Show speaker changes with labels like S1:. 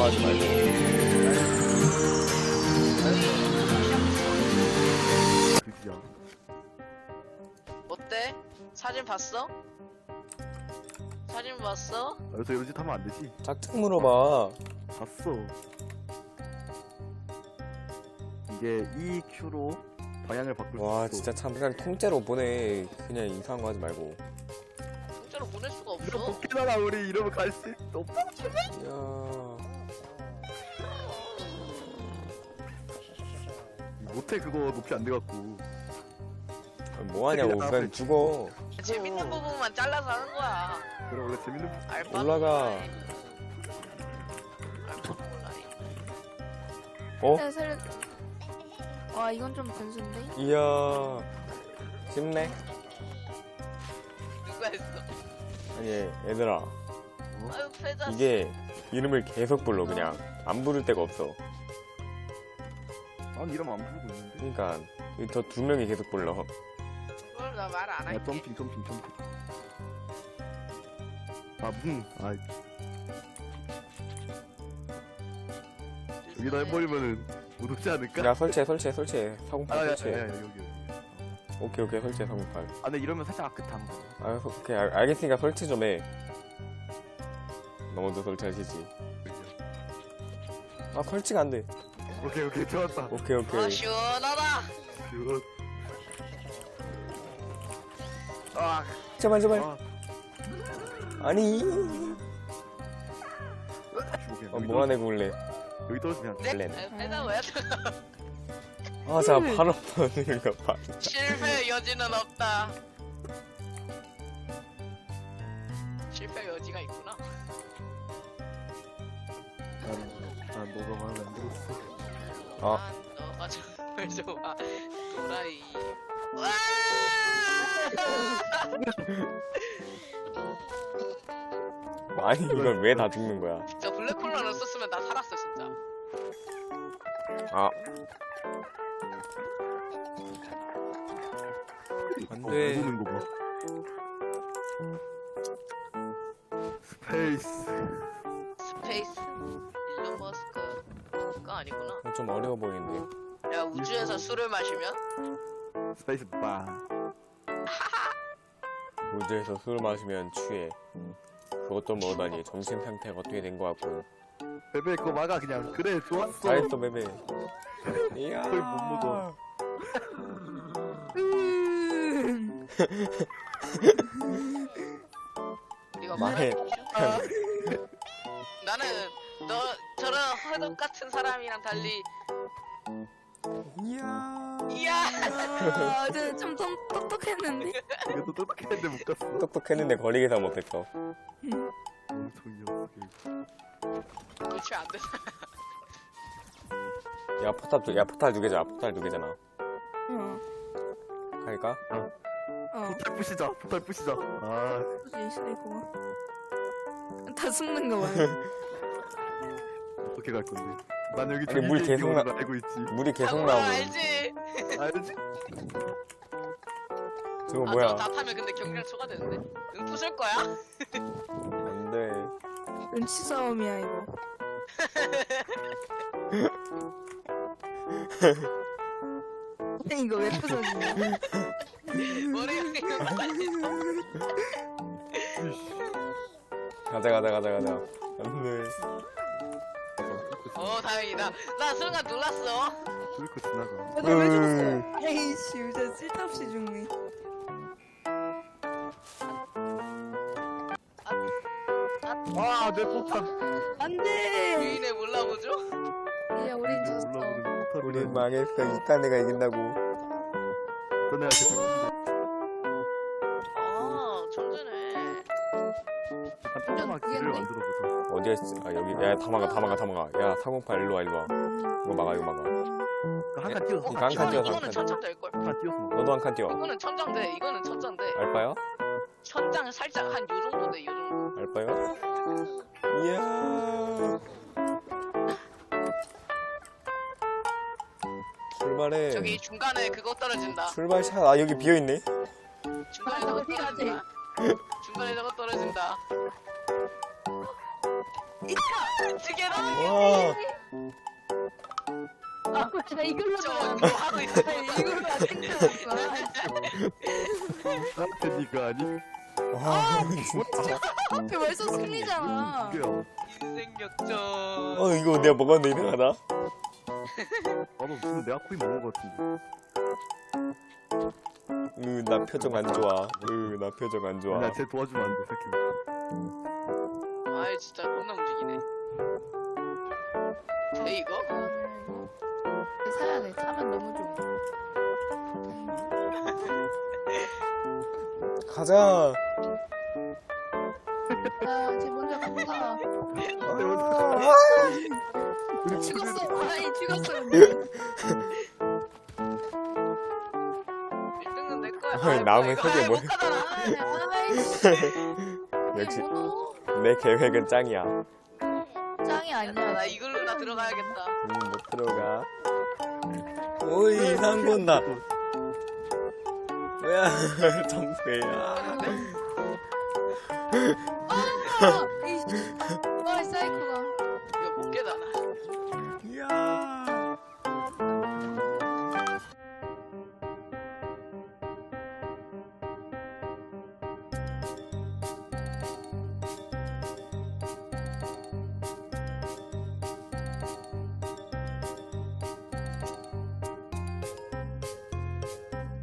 S1: 하지 말고.
S2: 그지야.
S3: 어때? 사진 봤어? 사진 봤어?
S2: 여기서 이런 짓 하면 안 되지.
S1: 짝짝 물어봐.
S2: 봤어. 이게 EQ로 방향을 바꿀 수
S1: 와
S2: 있어.
S1: 진짜 참 그냥 통째로 보내. 그냥 이상한 거 하지 말고.
S3: 진짜로 보낼 수가
S2: 이런
S3: 없어.
S2: 복귀나라 우리 이러면 갈 수 없다.
S1: 이야.
S2: 못해 그거 높이 안 돼갖고.
S1: 뭐 하냐고. 그냥 죽어.
S3: 재밌는 부분만 잘라서 하는 거야.
S2: 그래 원래 재밌는
S3: 알바
S1: 올라가.
S3: 알바 몰라.
S1: 어?
S4: 야, 살려. 와, 이건 좀 변수인데?
S1: 이야. 쉽네.
S3: 누가 했어?
S1: 아니 얘들아.
S3: 아유 패자.
S1: 이게 이름을 계속 불러 그냥. 안 부를 데가 없어.
S2: 난 이러면 안 부르고 있는데.
S1: 그러니까 저 두 명이 계속 불러.
S3: 그걸 나 말 안
S2: 아
S3: 할게.
S2: 점핑. 아 여기다 해버리면은 못 오지 않을까?
S1: 야 설치해. 사공팔 설치해.
S2: 여기.
S1: 오케이 설치해 사공팔.
S2: 아 근데 이러면 살짝 아끗한 거.
S1: 아 오케이 알겠으니까 설치 좀 해. 너 먼저 설치하시지. 아 설치가 안 돼.
S2: 오케이 좋았다.
S1: 오케이.
S3: 아 시원하다.
S2: 굿. 아,
S1: 제발.
S2: 아.
S1: 아니.
S2: 죽어,
S1: 뭐가 내고 올래?
S2: 여기 떨어지면
S3: 네?
S1: 원래는.
S3: 아유, 패자 뭐야?
S1: 아, 자 바로 버리는 거 봐.
S3: 실패 여지는 없다. 실패 여지가 있구나.
S2: 난 너가 마음에 안 들었어.
S1: 아,
S3: 너가 정말 좋아. 도라이. 와!
S1: 아니 이걸 왜 다 죽는 거야?
S3: 진짜 블랙홀러를 썼으면 나 살았어 진짜.
S1: 아. 안 돼.
S2: 보는 거 봐. 스페이스.
S3: 스페이스. 일론 머스크가 아니구나.
S1: 좀 어려워 보이는데.
S3: 야 우주에서 술을 마시면
S2: 스페이스 바.
S1: 우주에서 술을 마시면 취해. 그것도 모르다니 정신 상태가 어떻게 된 거 같고.
S2: 베베 그거 막아 그냥. 그래 좋았어.
S1: 잘했어 베베. 이야.
S2: 거의 못 먹어.
S3: 우리가
S1: 망해.
S3: 나는 너 저런 허덕 같은 사람이랑 달리
S1: 이야.
S3: 이야
S4: 아, 좀 똑똑했는데?
S2: 이것도 똑똑했는데 못 갔어.
S1: 똑똑했는데 거리기사 못했어.
S2: 엄청 녀석이.
S3: 그치 안 돼.
S1: 야 포탈 두 개잖아. 포탈 두 개잖아.
S4: 어.
S1: 갈까?
S2: 포탈 부시자. 아,
S4: 이거. 다 숨는 거 봐요.
S2: 어떻게 갈 건데? 난 여기
S1: 아니, 물 계속
S2: 나 알고 있지.
S1: 물이 계속
S3: 아,
S1: 나오고.
S3: 알지?
S2: 알지?
S1: 저거
S3: 아,
S1: 뭐야?
S3: 저거 다 타면 근데 경량 초과되는데? 응 부술 거야?
S1: 안 돼.
S4: 눈치 싸움이야, 이거. 이거 왜 부서지냐?
S3: 머리가
S1: 가자. 안 돼.
S3: 다행이다. 나 순간 놀랐어.
S2: 뚫고 지나가.
S4: 나왜 죽었어? 에이씨, 진짜 쓸데없이 죽네.
S2: 아, 내 포탈.
S4: 안 돼!
S3: 주인의 몰라보죠?
S4: 야, 우린 졌어.
S2: 올라오는 포탈.
S1: 우린 망했어. 이딴 애가 이긴다고.
S2: 너네가 계속
S3: 아, 천재네.
S2: 한 조그만 길을
S4: 그게
S2: 만들어 보자.
S1: 어디에 있어? 아 여기. 야 다 막아. 야 408 일로 와. 이거 막아.
S2: 한칸 띄워서.
S1: 이거 한 칸 띄워서 한
S3: 이거는
S1: 칸.
S3: 천장 될걸?
S2: 한칸 띄워서.
S1: 너도 한 칸 뛰어.
S3: 이거는 천장 돼. 이거는 천장 돼.
S1: 알바요?
S3: 천장 살짝 한 요 정도 돼. 요 정도.
S1: 알바요? 이야. 출발해.
S3: 저기 중간에 그거 떨어진다.
S1: 출발샷. 아 여기 비어 있네.
S3: 중간에 저거
S4: 어디 가지?
S3: 떨어진다. 중간에 저거 떨어진다. 어떻게 나
S1: 와.
S4: 나 이걸로
S3: 뭐 하고 있어.
S4: 이걸로 생겼어.
S2: 나한테 니가 아니?
S1: 와, 진짜.
S4: 그 벌써 승리잖아.
S2: 이게요.
S3: 인생 역전.
S1: 이거 내가 먹었는데 이상하다.
S2: 나도 무슨 내 앞구이 먹은 것 같은데.
S1: 나 표정 안 좋아. 나 표정 안 좋아.
S2: 나 쟤 도와주면 안 돼, 새끼.
S3: 아이 진짜 겁나 움직이네. 돼 이거?
S4: 사야 돼. 사면 너무 좋아.
S1: 가자.
S4: 쟤 먼저 갔다.
S2: 우리
S4: 죽었어. 아니 죽었어.
S3: 1등은 내 거야.
S1: 아이, 남의 속에 뭘-
S3: 못 가잖아.
S1: 역시
S4: 번호
S1: 내 계획은 짱이야.
S4: 짱이
S3: 야,
S4: 아니야.
S3: 나 이걸로나 들어가야겠다.
S1: 못 들어가. 오이, 이상한 거 온다. 뭐야, 점프야.
S4: 아,